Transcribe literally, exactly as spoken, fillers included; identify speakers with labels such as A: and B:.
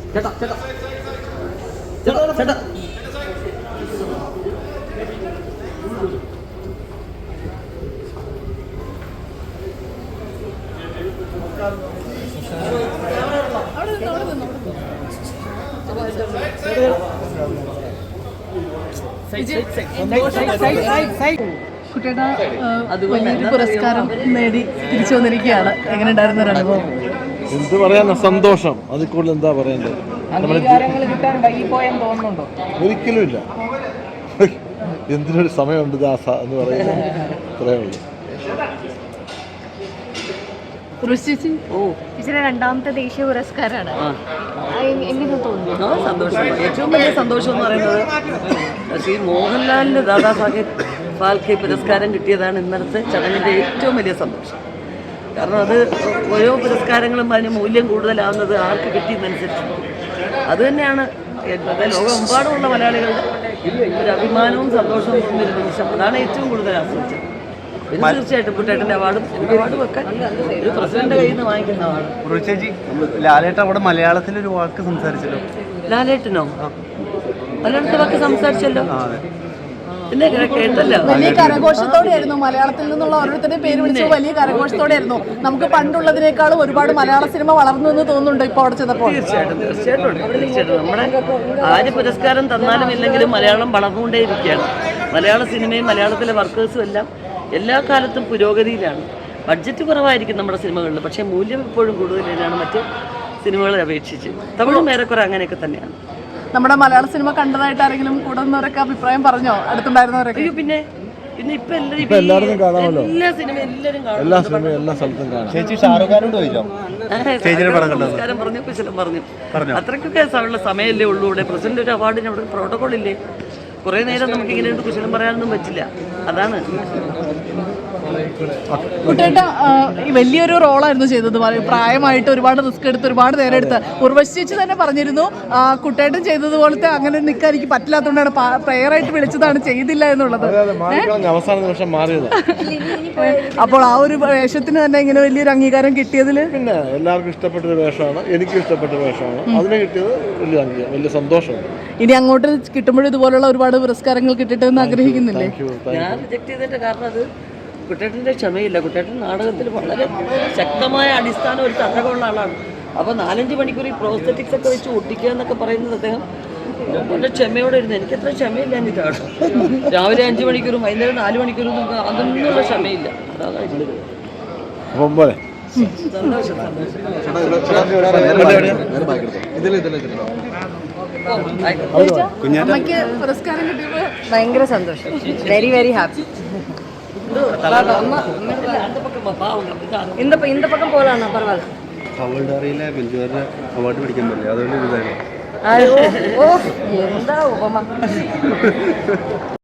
A: ചേട്ടാ ചേട്ടാ ചേട്ടാ ചേട്ടാ
B: കുട്ടിയുടെ വലിയൊരു പുരസ്കാരം നേടി തിരിച്ചു വന്നിരിക്കുകയാണ്. എങ്ങനെ ഉണ്ടായിരുന്ന ഒരു അനുഭവം?
C: എന്ത് പറയാനാ, സന്തോഷം. അതിൽ കൂടുതൽ എന്താ പറയണ്ടത്? ഒരിക്കലും ഇല്ല. എന്തിനൊരു സമയമുണ്ട് ദാസ എന്ന് പറയുന്നത് അത്രയേ ഉള്ളൂ.
D: ചേച്ചിയുടെ രണ്ടാമത്തെ ദേശീയ പുരസ്കാരമാണ്. എങ്ങനെ തോന്നുന്നു?
E: സന്തോഷം. ഏറ്റവും വലിയ സന്തോഷം എന്ന് പറയുന്നത് ശ്രീ മോഹൻലാലിന് ദാദാ സാഹേബ് ഫാൽക്കെ പുരസ്കാരം കിട്ടിയതാണ് ഇന്നലത്തെ ചടങ്ങിൻ്റെ ഏറ്റവും വലിയ സന്തോഷം. കാരണം അത് ഓരോ പുരസ്കാരങ്ങളും അതിന് മൂല്യം കൂടുതലാവുന്നത് ആർക്ക് കിട്ടിയെന്നനുസരിച്ച് അത് തന്നെയാണ് ലോകമെമ്പാടുമുള്ള മലയാളികളുടെ ഒരു അഭിമാനവും സന്തോഷവും തോന്നിയൊരു നിമിഷം. അതാണ് ഏറ്റവും കൂടുതൽ ആസ്വദിച്ചത്. പിന്നെ തീർച്ചയായിട്ടും കുട്ടേട്ടൻ്റെ അവാർഡും അവാർഡും ഒക്കെ ഒരു പ്രസിഡന്റ് കയ്യിൽ നിന്ന് വാങ്ങിക്കുന്ന അവാർഡ്.
F: ചേച്ചി, ലാലേട്ടൻ അവിടെ മലയാളത്തിലൊരു വാക്ക് സംസാരിച്ചല്ലോ.
E: ലാലേട്ടനോ? മലയാളത്തെ വാക്ക് സംസാരിച്ചല്ലോ. പിന്നെ കേട്ടല്ലോ.
B: വലിയ കരഘോഷത്തോടെയായിരുന്നു മലയാളത്തിൽ നിന്നുള്ള ഓരോരുത്തരുടെയും പേര് വിളിച്ചത്. വലിയ കരഘോഷത്തോടെയായിരുന്നു. നമുക്ക് പണ്ടുള്ളതിനേക്കാളും ഒരുപാട് മലയാള സിനിമ വളർന്നു എന്ന് തോന്നുന്നുണ്ട് ഇപ്പോൾ അവിടെ ചെന്നപ്പോൾ.
E: തീർച്ചയായിട്ടും തീർച്ചയായിട്ടും തീർച്ചയായിട്ടും നമ്മുടെ ആര് പുരസ്കാരം തന്നാലും ഇല്ലെങ്കിലും മലയാളം വളർന്നുകൊണ്ടേയിരിക്കുകയാണ്. മലയാള സിനിമയും മലയാളത്തിലെ വർക്കേഴ്സും എല്ലാം എല്ലാ കാലത്തും പുരോഗതിയിലാണ്. ബഡ്ജറ്റ് കുറവായിരിക്കും നമ്മുടെ സിനിമകളിൽ, പക്ഷേ മൂല്യം ഇപ്പോഴും കൂടുതലാണ് മറ്റ് സിനിമകളെ അപേക്ഷിച്ച്. തമിഴും ഏറെക്കുറെ അങ്ങനെയൊക്കെ തന്നെയാണ്.
B: നമ്മുടെ മലയാള സിനിമ കണ്ടതായിട്ട് ആരെങ്കിലും കൂടുന്നവരൊക്കെ അഭിപ്രായം പറഞ്ഞോ? അടുത്തുണ്ടായിരുന്നവരൊക്കെ?
E: പിന്നെ പിന്നെ ഇപ്പൊ
C: എല്ലാവരും കാണാമല്ലോ.
E: എല്ലാ സിനിമ എല്ലാവരും
C: എല്ലാ സിനിമയും എല്ലാ സ്ഥലത്തും കാണാം.
F: ചേച്ചി ഷാറുഖ് ഖാനോട് പോയില്ലോ?
E: നമസ്കാരം പറഞ്ഞു, കുശലം പറഞ്ഞു. അത്രയ്ക്കൊക്കെ ഉള്ള സമയമല്ലേ ഉള്ളൂ. ഇവിടെ പ്രസിഡന്റ് ഒരു അവാർഡിന് അവിടെ പ്രോട്ടോകോൾ ഇല്ലേ? കുറേ നേരം നമുക്ക് ഇങ്ങനെ കുശലം പറയാനൊന്നും പറ്റില്ല. അതാണ്
B: കുട്ടേട്ട വലിയൊരു റോളായിരുന്നു ചെയ്തത്. പ്രായമായിട്ട് ഒരുപാട് റിസ്ക് എടുത്ത് ഒരുപാട് നേരം എടുത്ത് ഉർവശി ചേച്ചി തന്നെ പറഞ്ഞിരുന്നു കുട്ടേട്ടൻ ചെയ്തതുപോലത്തെ അങ്ങനെ നിൽക്കാൻ എനിക്ക് പറ്റില്ലാത്തതുകൊണ്ടാണ് പ്രയറായിട്ട് വിളിച്ചതാണ്, ചെയ്തില്ല എന്നുള്ളത്.
C: അവസാന നിമിഷം മാറിയത്.
B: അപ്പോൾ ആ ഒരു വേഷത്തിന് തന്നെ ഇങ്ങനെ വലിയൊരു അംഗീകാരം കിട്ടിയതിൽ
C: പിന്നെ എല്ലാവർക്കും ഇഷ്ടപ്പെട്ടൊരു വേഷമാണ്, എനിക്കും ഇഷ്ടപ്പെട്ട വേഷമാണ്. അതിനെ കിട്ടിയത് വലിയ അംഗീകാരം, വലിയ സന്തോഷമുണ്ട്.
B: ഇനി അങ്ങോട്ട് കിട്ടുമ്പോഴും ഇതുപോലുള്ള ഒരുപാട് പുരസ്കാരങ്ങൾ കിട്ടിയിട്ട് എന്ന് ആഗ്രഹിക്കുന്നില്ലേ?
E: ഞാൻ റിജക്ട് ചെയ്തതിന്റെ കാരണം അത് കുട്ടേട്ടൻ്റെ ക്ഷമയില്ല. കുട്ടേട്ടൻ നാടകത്തിൽ വളരെ ശക്തമായ അടിസ്ഥാനം ഒരു തട്ടകമുള്ള ആളാണ്. അപ്പോൾ നാലഞ്ച് മണിക്കൂർ ഈ പ്രോസ്തറ്റിക്സ് ഒക്കെ വെച്ച് ഒട്ടിക്കുക എന്നൊക്കെ പറയുന്നത് അദ്ദേഹം വളരെ ക്ഷമയോടെ ഇരുന്ന്. എനിക്കത്ര ക്ഷമയില്ല എന്നിട്ടാണ്. രാവിലെ അഞ്ച് മണിക്കൂറും വൈകുന്നേരം നാല് മണിക്കൂറും നമുക്ക് അതൊന്നുള്ള ക്ഷമയില്ല. അതാണ് ഇതിൽ സന്തോഷം.
B: അമ്മയ്ക്ക് പുരസ്കാരം കിട്ടിയപ്പോൾ
D: ഭയങ്കര സന്തോഷം. Very very happy. இந்த இந்த பக்கம் போகலாம், பரவாயில்ல.
F: ഹവൾഡാറിയിലെ ബെഞ്ചുകാരുടെ അവാർഡ് പിടിക്കാൻ പറ്റില്ല, അതുകൊണ്ട് ഇതായിരുന്നു.
D: ഓ എന്താ ഉപമ.